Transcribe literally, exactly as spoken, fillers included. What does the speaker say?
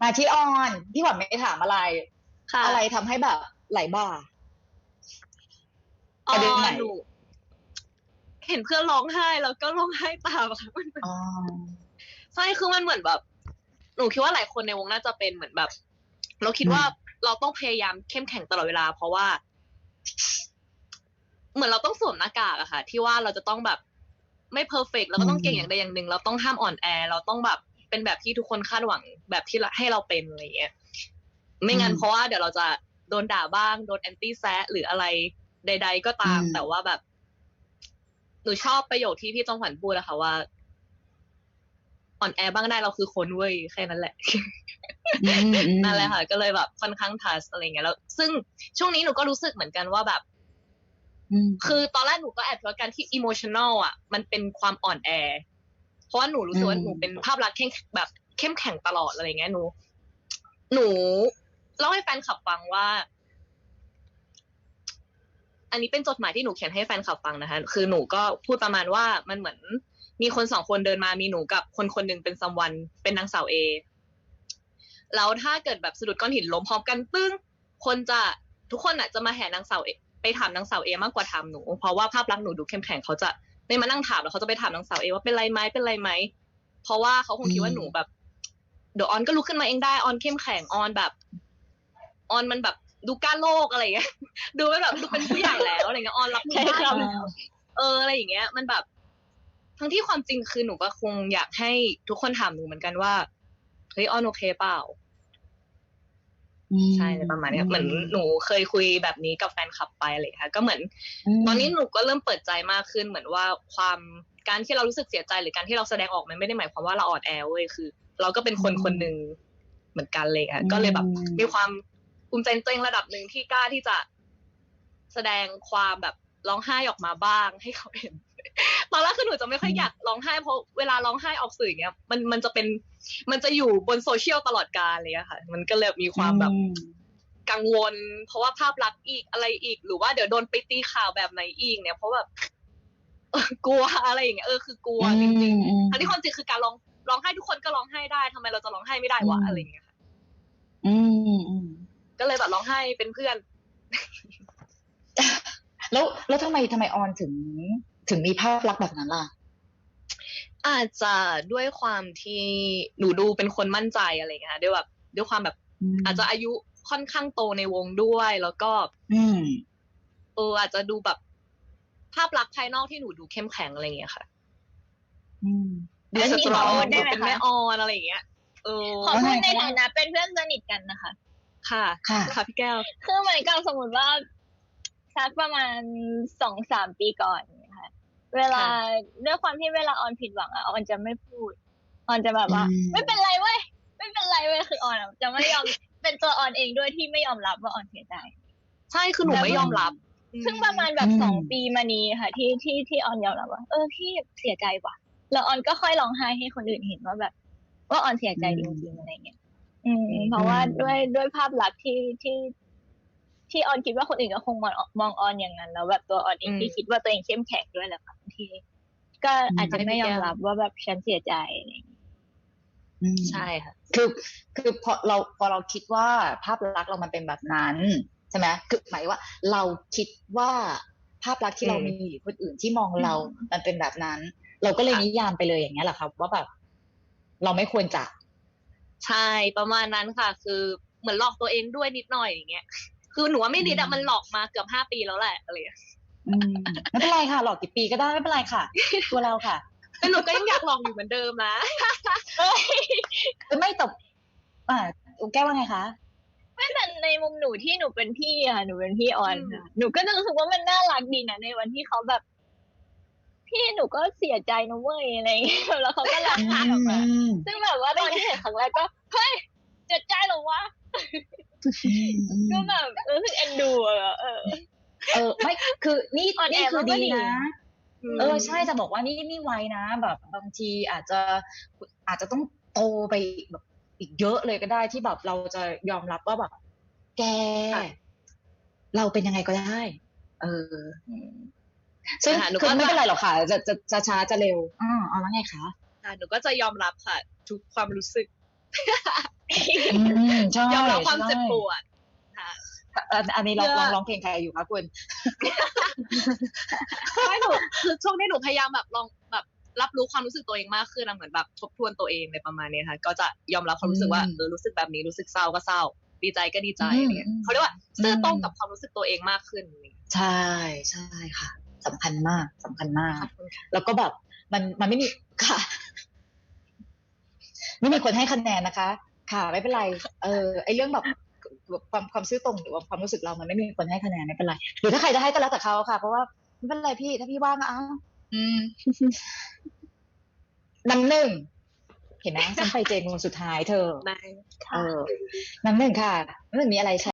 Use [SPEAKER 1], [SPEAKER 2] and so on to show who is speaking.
[SPEAKER 1] มาที่ออนพี่หวันไม่ถามอะไร
[SPEAKER 2] ค่ะ
[SPEAKER 1] อะไรทำให้แบบไหลบ่า
[SPEAKER 2] อ๋อ
[SPEAKER 1] ประเด็นไหน
[SPEAKER 2] หนูเห็นเพื่อนร้องไห้แล้วก็ร้องไห้ตามค่ะมัน
[SPEAKER 1] อ๋อ
[SPEAKER 2] ใช่คือมันเหมือนแบบหนูคิดว่าหลายคนในวงน่าจะเป็นเหมือนแบบเราคิดว่า
[SPEAKER 1] อืม
[SPEAKER 2] เราต้องพยายามเข้มแข็งตลอดเวลาเพราะว่าเหมือนเราต้องสวมหน้ากากอะค่ะที่ว่าเราจะต้องแบบไม่เพอร์เฟกต์เรา
[SPEAKER 1] อื
[SPEAKER 2] ก็ต้องเก่งอย่างใด
[SPEAKER 1] ม
[SPEAKER 2] อย่างหนึ่งเราต้องห้ามอ่อนแอเราต้องแบบเป็นแบบที่ทุกคนคาดหวังแบบที่ให้เราเป็นอะไรอย่างเงี้ยไม่
[SPEAKER 1] อืม
[SPEAKER 2] งั้นเพราะว่าเดี๋ยวเราจะโดนด่าบ้างโดนแอนตี้แซะหรืออะไรใดๆก็
[SPEAKER 1] อื
[SPEAKER 2] ตามแต่ว่า
[SPEAKER 1] ม
[SPEAKER 2] แบบหนูชอบประโยคที่พี่จอมขวัญพูดอะค่ะว่าอ่อนแอบ้างได้เราคือคนเว้ยแค่นั้นแหละ
[SPEAKER 1] อืมอื
[SPEAKER 2] นั่
[SPEAKER 1] ม
[SPEAKER 2] นแหละค่ะก็เลยแบบค่อนข้างทัชอะไรเงี้ยแล้วซึ่งช่วงนี้หนูก็รู้สึกเหมือนกันว่าแบบ
[SPEAKER 1] อืม
[SPEAKER 2] คือตอนแรกหนูก็แอบคิดว่าการที่อิโมชัน a ลอ่ะมันเป็นความอ่อนแอเพราะว่าหนูรู้
[SPEAKER 1] อื
[SPEAKER 2] สึกว่าหนูเป็น
[SPEAKER 1] ม
[SPEAKER 2] ภาพลักษณ์เข้มแบบเข้มแข็งตลอดอะไรเงี้ยหนูหนูเล่าให้แฟนคลับฟังว่าอันนี้เป็นจดหมายที่หนูเขียนให้แฟนคลับฟังนะคะคือหนูก็พูดประมาณว่ามันเหมือนมีคนสองคนเดินมามีหนูกับคนคนหนึ่งเป็นซัมวันเป็นนางสาวเอ แล้วถ้าเกิดแบบสะดุดก้อนหินล้มพร้อมกันปึ้งคนจะทุกคนอ่ะจะมาแห่นางสาวเอไปถามนางสาวเอมากกว่าถามหนูเพราะว่าภาพลักษณ์หนูดูเข้มแข็งเขาจะไม่มานั่งถามแล้วเขาจะไปถามนางสาวเอว่าเป็นไรไหมเป็นไรไหมเพราะว่าเขาคง
[SPEAKER 1] อื
[SPEAKER 2] คิดว่าหนูแบบ
[SPEAKER 1] ม
[SPEAKER 2] เดี๋ยวออนก็ลุกขึ้นมาเองได้ออนเข้มแข็งออนแบบออนมันแบบดูกล้าโลกอะไรอย่างเงี้ยดูเป็นแบบดูเป็นผู้ใหญ่แล้วอะไรเงี้ยออนรับมือได้
[SPEAKER 1] ใช่ครับ
[SPEAKER 2] แล้วเอออะไรอย่างเงี้ยมันแบบทั้งที่ความจริงคือหนูก็คงอยากให้ทุกคนถามหนูเหมือนกันว่าเฮ้ยออนโอเคเปล่า
[SPEAKER 1] อื
[SPEAKER 2] ใช่
[SPEAKER 1] ม
[SPEAKER 2] ประมาณ
[SPEAKER 1] อื
[SPEAKER 2] เนี้ยเหมือน
[SPEAKER 1] ม
[SPEAKER 2] หนูเคยคุยแบบนี้กับแฟนคลับไปอะไรค่ะก็เหมือน
[SPEAKER 1] อื
[SPEAKER 2] ตอนนี้หนู
[SPEAKER 1] ม
[SPEAKER 2] ก็เริ่มเปิดใจมากขึ้นเหมือนว่าความการที่เรารู้สึกเสียใจหรือการที่เราแสดงออกมันไม่ได้หมายความว่าเราอ่อนแอเว้ยคือเราก็เป็น
[SPEAKER 1] อื
[SPEAKER 2] คนคนหนึ่ง
[SPEAKER 1] ม
[SPEAKER 2] เหมือนกันเลยค่ะ
[SPEAKER 1] อื
[SPEAKER 2] ก็เลยแบบมี
[SPEAKER 1] ม
[SPEAKER 2] ความภูมิใจในตัวเองระดับหนึ่งที่กล้าที่จะแสดงความแบบร้องไห้ออกมาบ้างให้เขาเห็นตอนแรกคือหนูจะไม่ค่อยอยากร้องไห้เพราะเวลาร้องไห้ออกสื่ออย่างเงี้ยมันมันจะเป็นมันจะอยู่บนโซเชียลตลอดกาลเลยอะค่ะมันก็เลยมีค
[SPEAKER 1] อื
[SPEAKER 2] วามแบบ
[SPEAKER 1] ม
[SPEAKER 2] กังวลเพราะว่าภาพลักษณ์อีกอะไรอีกหรือว่าเดี๋ยวโดนไปตีข่าวแบบไหนอีกเนี่ยเพราะแบบเออกลัวอะไรอย่างเงี้ยเออคือกลัว
[SPEAKER 1] อื
[SPEAKER 2] จริง
[SPEAKER 1] มอืม
[SPEAKER 2] ๆทั้งที่ความจริงคือการร้องร้องไห้ทุกคนก็ร้องไห้ได้ทำไมเราจะร้องไห้ไม่ได้
[SPEAKER 1] อื
[SPEAKER 2] วะ
[SPEAKER 1] ม
[SPEAKER 2] อะไรอย่างเงี้ยค่ะ
[SPEAKER 1] อืมอืม
[SPEAKER 2] ก็เลยแบบร้องไห้เป็นเพื่อน
[SPEAKER 1] แล้วแล้วทำไมทำไมออนถึงถึงมีภาพลักษณ์แบบนั้นล่ะ
[SPEAKER 2] อาจจะด้วยความที่หนูดูเป็นคนมั่นใจอะไรเงี้ยด้วยแบบด้วยความแบบ
[SPEAKER 1] อื
[SPEAKER 2] อาจจะอา
[SPEAKER 1] ม
[SPEAKER 2] ยุค่อนข้างโตในวงด้วยแล้วก็
[SPEAKER 1] อืม
[SPEAKER 2] เอออาจจะดูแบบภาพลักษณ์ภายนอกที่หนูดูเข้มแข็งอะไรเงี้ยค่ะ
[SPEAKER 1] อืม
[SPEAKER 2] ดู
[SPEAKER 3] อันนี้
[SPEAKER 2] สตรอง
[SPEAKER 3] ขอพูดได้
[SPEAKER 2] ดู
[SPEAKER 3] ไหมคะ
[SPEAKER 2] เป็นแม่ออนอะไรอย่างเงี้ยเออ
[SPEAKER 3] ขอ
[SPEAKER 1] ว่าไง
[SPEAKER 3] พูดใน
[SPEAKER 1] คะว่า
[SPEAKER 3] ฐานะเป็นเพื่อนสนิทกันนะคะ
[SPEAKER 2] ค่ะ
[SPEAKER 1] ค่ะ
[SPEAKER 2] ค่ะพี่แก้ว
[SPEAKER 3] คือเหมือนกับสมมติว่าสักประมาณสองสามปีก่อนค่ะเวลา
[SPEAKER 2] ค่ะ
[SPEAKER 3] ด้วยความที่เวลาออนผิดหวังอะออนจะไม่พูดออนจะแบบ
[SPEAKER 1] อื
[SPEAKER 3] ว่าไม่เป็น
[SPEAKER 1] ม
[SPEAKER 3] ไรเว้ยไม่เป็นไรเว้ยคือออนอะจะไม่ยอมเป็นตัวออนเองด้วยที่ไม่ยอมรับว่าออนเสียใจ
[SPEAKER 2] ใช่คือหนู
[SPEAKER 3] แล้วเพิ่ง
[SPEAKER 2] ไม่ยอมรับอื
[SPEAKER 3] ซึ่ง
[SPEAKER 2] ม
[SPEAKER 3] ประมาณแบ
[SPEAKER 1] อื
[SPEAKER 3] บสอง
[SPEAKER 1] ม
[SPEAKER 3] ปีมานี้ค่ะที่ที่ที่ออนยอมรับว่าเออพี่เสียใจว่ะแล้วออนก็ค่อยร้องไห้ให้คนอื่นเห็นว่าแบบว่าออนเสีย
[SPEAKER 1] อื
[SPEAKER 3] ใจจริงๆ
[SPEAKER 1] ม
[SPEAKER 3] อะไรเงี้ย อืมเพ
[SPEAKER 1] อื
[SPEAKER 3] ราะว่าด้วย
[SPEAKER 1] ม
[SPEAKER 3] ด้วยภาพลักษณ์ที่ที่ที่ออนคิดว่าคนอื่นก็คงมองมองออนอย่างนั้นแล้วแบบตัวออนเอง
[SPEAKER 2] อืม
[SPEAKER 3] ที่คิดว่าตัวเองเข้มแข็งด้วยแหละค่ะบางทีก็
[SPEAKER 1] อื
[SPEAKER 3] อาจจะ
[SPEAKER 2] ใช่
[SPEAKER 3] ไม่
[SPEAKER 2] พี่แก้ว
[SPEAKER 3] ยอมรับว่าแบบฉันเสียใจอะไรอย่างเงี้ย
[SPEAKER 1] อืม
[SPEAKER 2] ใช่ค่ะ
[SPEAKER 1] คือคือพอเราพอเราคิดว่าภาพลักษณ์เรามันเป็นแบบนั้นใช่ไหมคือหมายว่าเราคิดว่าภาพลักษณ์
[SPEAKER 2] อื
[SPEAKER 1] ที่เรามี
[SPEAKER 2] ม
[SPEAKER 1] คนอื่นที่มอง
[SPEAKER 3] อื
[SPEAKER 1] เรา
[SPEAKER 3] ม
[SPEAKER 1] มันเป็นแบบนั้นเราก็เลยนิ
[SPEAKER 2] ค่ะ
[SPEAKER 1] ยามไปเลยอย่างเงี้ยแหละครับว่าแบบเราไม่ควรจะ
[SPEAKER 2] ใช่ประมาณนั้นค่ะคือเหมือนหลอกตัวเองด้วยนิดหน่อยอย่างเงี้ยคือหนูว่าไม่
[SPEAKER 1] อื
[SPEAKER 2] นิดอะมันหลอก
[SPEAKER 1] ม
[SPEAKER 2] มาเกือบห้าปีแล้วแหละอะไรอย่างเงี้ย
[SPEAKER 1] อืมไม่เป็นไรค่ะหลอกกี่ปีก็ได้ไม่เป็นไรค่ะตัวเราค่ะ
[SPEAKER 2] แต่หนูก็ยังอยากลองอยู่เหมือนเดิมนะ
[SPEAKER 3] เอ้ย
[SPEAKER 1] เอ้ยไม่ตบอ่าแก้วว่าไงคะ
[SPEAKER 3] ไม่แต่ในมุมหนูที่หนูเป็นพี่อะหนูเป็นพี่ออ
[SPEAKER 2] อืม
[SPEAKER 3] นค่ะหนูก็จะรู้สึกว่ามันน่ารักดีนะในวันที่เขาแบบพี่หนูก็เสียใจนะเว้ยอะไรอย่างเงี้ยแล้วเขาก็ร้อง
[SPEAKER 1] อื
[SPEAKER 3] ไห้ออกมา
[SPEAKER 1] ม
[SPEAKER 3] ซึ่งแบบว่าตอนที่เห็นครั้งแรกก็เฮ้ยเจ็บใจเหรอวะ
[SPEAKER 1] อืมอื
[SPEAKER 3] ก็
[SPEAKER 1] ม
[SPEAKER 3] แบบรู้สึกเอ็นดูอะเออ
[SPEAKER 1] เออไม่คือนี่
[SPEAKER 3] อ่อนแอ
[SPEAKER 1] นี่คือ
[SPEAKER 3] บ้างก็ดี
[SPEAKER 1] ดีนะ
[SPEAKER 2] อื
[SPEAKER 1] เออ
[SPEAKER 2] ม
[SPEAKER 1] ใช่จะบอกว่านี่นี่ไวนะแบบบางทีอาจจะอาจจะต้องโตไปแบบอีกเยอะเลยก็ได้ที่แบบเราจะยอมรับว่าแบบแก
[SPEAKER 2] ค่ะ
[SPEAKER 1] เราเป็นยังไงก็ได้เออ
[SPEAKER 3] อืม
[SPEAKER 1] ซึ่ง
[SPEAKER 2] นะคะหนู
[SPEAKER 1] คือไม่
[SPEAKER 2] ก็จะ
[SPEAKER 1] เป็นไรหรอกค่ะจะจะจะช้าจะเร็วอ่าเอาแล้วไงคะ
[SPEAKER 2] ค่ะหนูก็จะยอมรับค่ะทุกความรู้สึก
[SPEAKER 1] อืมใช่
[SPEAKER 2] ยอมรับความ
[SPEAKER 1] ใช่
[SPEAKER 2] เจ็บปวดค่ะ
[SPEAKER 1] อันอันนี้ร้อง
[SPEAKER 2] เพื่อ
[SPEAKER 1] ร้องร้องเพลงใครอยู่คะคุณ
[SPEAKER 2] ไม่หนูคือช่วงนี้หนูพยายามแบบลองแบบรับรู้ความรู้สึกตัวเองมากขึ้นนะเหมือนแบบทบทวนตัวเองในประมาณเนี้ยค่ะ ก็จะยอมรับความรู้สึกว่า
[SPEAKER 1] อืม
[SPEAKER 2] เออรู้สึกแบบนี้รู้สึกเศร้าก็เศร้า ดีใจก็ดีใจ
[SPEAKER 1] อืม
[SPEAKER 2] อะไรเงี้ย
[SPEAKER 1] อืม
[SPEAKER 2] เขาเรียกว่าซื่อตรง
[SPEAKER 1] อืม
[SPEAKER 2] กับความรู้สึกตัวเองมากขึ้นอะไรเงี้ย
[SPEAKER 1] ใช่ใช่ค่ะสำคัญมากสำคัญมาก
[SPEAKER 2] ขอบคุณค่ะ
[SPEAKER 1] แล้วก็แบบมันมันไม่มีค่ะ ไม่มีคนให้คะแนนนะคะ ค่ะไม่เป็นไร เออไอเรื่องแบบความความซื่อตรงหรือว่าความรู้สึกเรามันไม่มีคนให้คะแนนไม่เป็นไรหรือถ้าใครจะให้ก็แล้วแต่เขาค่ะ เพราะว่าไม่เป็นไรพี่ถ้าพี่ว่างก็เอาอืมน้ำหนึ่งเห็นไหมฉันไปเจนคนสุดท้ายเธอ
[SPEAKER 2] ได้
[SPEAKER 1] เออน้ำหนึ่งค่ะน้ำหนึ่งมีอะไรแชร์